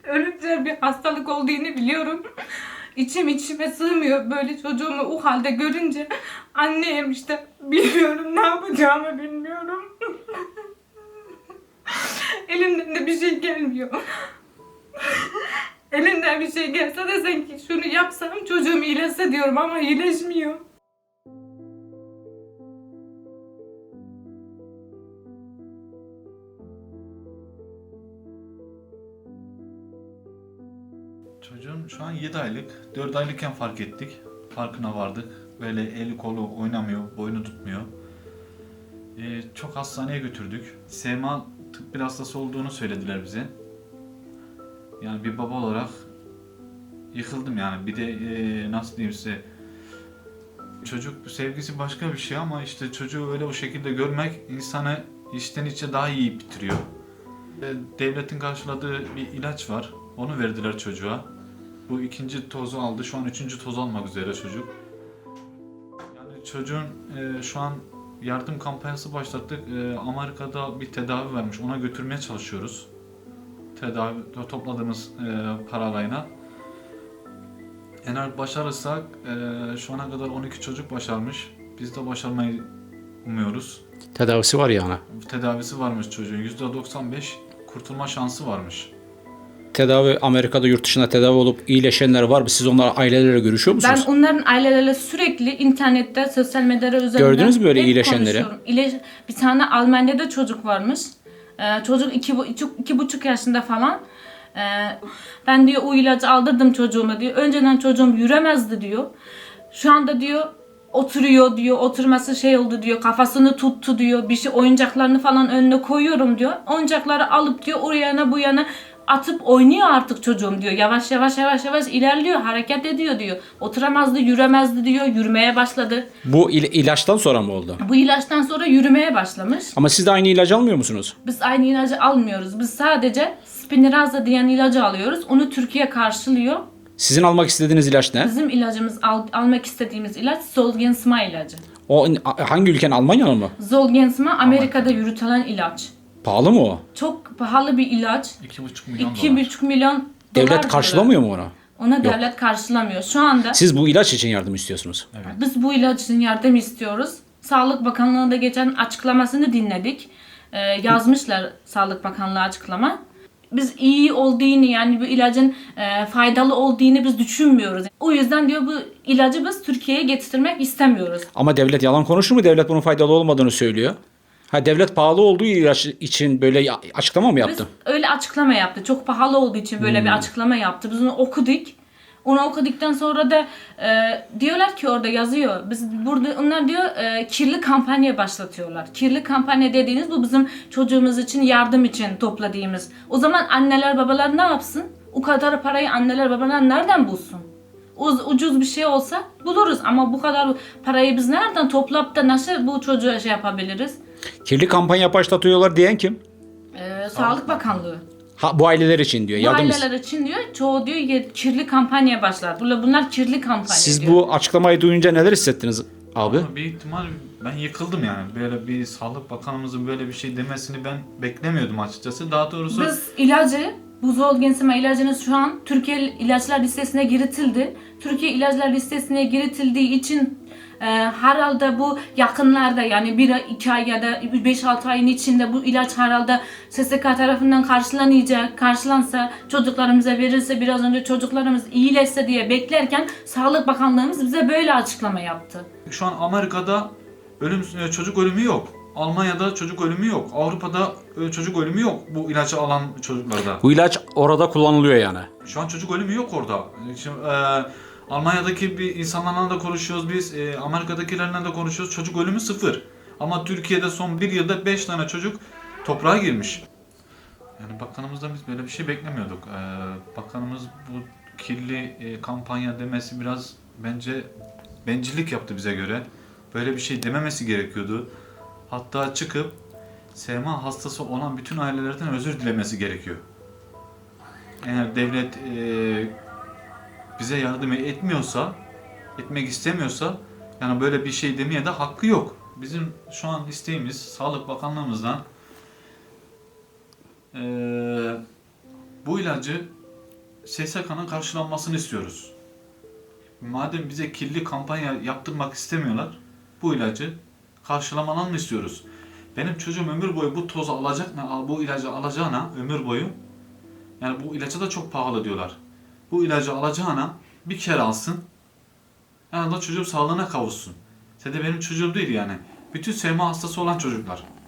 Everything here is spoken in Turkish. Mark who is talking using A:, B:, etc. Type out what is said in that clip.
A: Ölümcül bir hastalık olduğunu biliyorum. İçim içime sığmıyor böyle çocuğumu o halde görünce. Anneyim işte, bilmiyorum, ne yapacağımı bilmiyorum. Elimden de bir şey gelmiyor. Elimden bir şey gelse desen ki şunu yapsam çocuğum iyileşse diyorum ama iyileşmiyor.
B: Çocuğum şu an 7 aylık. 4 aylıkken fark ettik. Farkına vardık. Böyle eli kolu oynamıyor, boynu tutmuyor. Çok hastaneye götürdük. SMA tıp bir hastası olduğunu söylediler bize. Yani bir baba olarak yıkıldım yani. Bir de nasıl diyeyim size, çocuk sevgisi başka bir şey ama işte çocuğu öyle o şekilde görmek insanı içten içe daha iyi bitiriyor. Devletin karşıladığı bir ilaç var. Onu verdiler çocuğa. Bu ikinci tozu aldı. Şu an üçüncü toz almak üzere çocuk. Yani çocuğun şu an yardım kampanyası başlattık. Amerika'da bir tedavi vermiş. Ona götürmeye çalışıyoruz. Tedavi topladığımız paralayla. Eğer başarırsak şu ana kadar 12 çocuk başarmış. Biz de başarmayı umuyoruz.
C: Tedavisi var yani.
B: Tedavisi varmış çocuğun. %95 kurtulma şansı varmış.
C: Tedavi Amerika'da, yurt dışında tedavi olup iyileşenler var mı? Siz onlarla, ailelerle görüşüyor
A: Ben
C: musunuz?
A: onların aileleriyle sürekli internette, sosyal medyada üzerinden
C: Gördünüz mü böyle
A: hep
C: iyileşenleri?
A: konuşuyorum. Bir tane Almanya'da çocuk varmış. Çocuk 2,5 yaşında falan. Ben diyor o ilacı aldırdım çocuğuma diyor. Önceden çocuğum yürümezdi diyor. Şu anda diyor oturuyor diyor. Oturması şey oldu diyor. Kafasını tuttu diyor. Bir şey oyuncaklarını falan önüne koyuyorum diyor. Oyuncakları alıp diyor oraya yana bu yana atıp oynuyor artık çocuğum diyor. Yavaş yavaş ilerliyor, hareket ediyor diyor. Oturamazdı, yürümezdi diyor. Yürümeye başladı.
C: Bu ilaçtan sonra mı oldu?
A: Bu ilaçtan sonra yürümeye başlamış.
C: Ama siz de aynı ilacı almıyor musunuz?
A: Biz aynı ilacı almıyoruz. Biz sadece Spinraza diyen ilacı alıyoruz. Onu Türkiye karşılıyor.
C: Sizin almak istediğiniz ilaç ne?
A: Bizim ilacımız, almak istediğimiz ilaç Zolgensma ilacı.
C: O hangi ülkenin, Almanya'nın mı?
A: Zolgensma Amerika'da yürütülen ilaç.
C: Pahalı mı o?
A: Çok pahalı bir ilaç.
B: 2,5 milyon dolar.
A: 2,5 milyon dolar.
C: Devlet karşılamıyor mu onu?
A: Ona devlet karşılamıyor. Şu anda
C: Siz bu ilaç için yardım istiyorsunuz.
A: biz bu ilaç için yardım istiyoruz. Sağlık Bakanlığı'nda geçen açıklamasını dinledik. Yazmışlar Sağlık Bakanlığı açıklama. Biz iyi olduğunu, yani bu ilacın faydalı olduğunu biz düşünmüyoruz. O yüzden diyor bu ilacı biz Türkiye'ye getirmek istemiyoruz.
C: Ama devlet yalan konuşur mu? Devlet bunun faydalı olmadığını söylüyor. Ha, devlet pahalı olduğu ilaç için böyle açıklama mı yaptı?
A: Biz öyle açıklama yaptı. Çok pahalı olduğu için böyle bir açıklama yaptı. Biz onu okuduk. Onu okuduktan sonra da diyorlar ki orada yazıyor. Biz burada onlar diyor kirli kampanya başlatıyorlar. Kirli kampanya dediğiniz bu bizim çocuğumuz için yardım için topladığımız. O zaman anneler babalar ne yapsın? O kadar parayı anneler babalar nereden bulsun? Ucuz bir şey olsa buluruz ama bu kadar parayı biz nereden toplayıp da nasıl bu çocuğa şey yapabiliriz?
C: Kirli kampanya başlatıyorlar diyen kim?
A: Sağlık Bakanlığı.
C: Ha, bu aileler için diyor.
A: Bu
C: Yardım
A: aileler için diyor, çoğu diyor kirli kampanya başlar. Bunlar kirli kampanya
C: Siz
A: diyor.
C: bu açıklamayı duyunca neler hissettiniz abi?
B: Ama bir ihtimal ben yıkıldım yani. Böyle bir Sağlık Bakanımızın böyle bir şey demesini ben beklemiyordum açıkçası. Daha doğrusu
A: Biz ilacı, bu Zolgensma ilacınız şu an Türkiye ilaçlar listesine giritildi. Türkiye ilaçlar listesine giritildiği için herhalde bu yakınlarda, yani 1-2 ay ya da 5-6 ayın içinde bu ilaç herhalde SSK tarafından karşılanacak. Karşılansa, çocuklarımıza verirse, biraz önce çocuklarımız iyileşse diye beklerken Sağlık Bakanlığımız bize böyle açıklama yaptı.
B: şu an Amerika'da çocuk ölümü yok. Almanya'da çocuk ölümü yok. Avrupa'da çocuk ölümü yok bu ilacı alan çocuklarda.
C: Bu ilaç orada kullanılıyor yani.
B: Şu an çocuk ölümü yok orada. Şimdi, Almanya'daki bir insanlarla da konuşuyoruz biz, Amerika'dakilerle de konuşuyoruz. Çocuk ölümü 0. Ama Türkiye'de son 1 yılda 5 tane çocuk toprağa girmiş. Yani bakanımızdan biz böyle bir şey beklemiyorduk. Bakanımız bu kirli kampanya demesi biraz bence bencillik yaptı bize göre. Böyle bir şey dememesi gerekiyordu. Hatta çıkıp SMA hastası olan bütün ailelerden özür dilemesi gerekiyor. Eğer devlet bize yardım etmiyorsa, etmek istemiyorsa, yani böyle bir şey demeye de hakkı yok. Bizim şu an isteğimiz Sağlık Bakanlığımızdan bu ilacı SSK'nın karşılanmasını istiyoruz. Madem bize kirli kampanya yaptırmak istemiyorlar, bu ilacı karşılamalarını istiyoruz. Benim çocuğum ömür boyu bu tozu alacak, bu ilacı alacağına ömür boyu, yani bu ilaca da çok pahalı diyorlar. Bu ilacı alacağına bir kere alsın, en azından çocuğum sağlığına kavuşsun. Sadece benim çocuğum değil yani. Bütün SMA hastası olan çocuklar.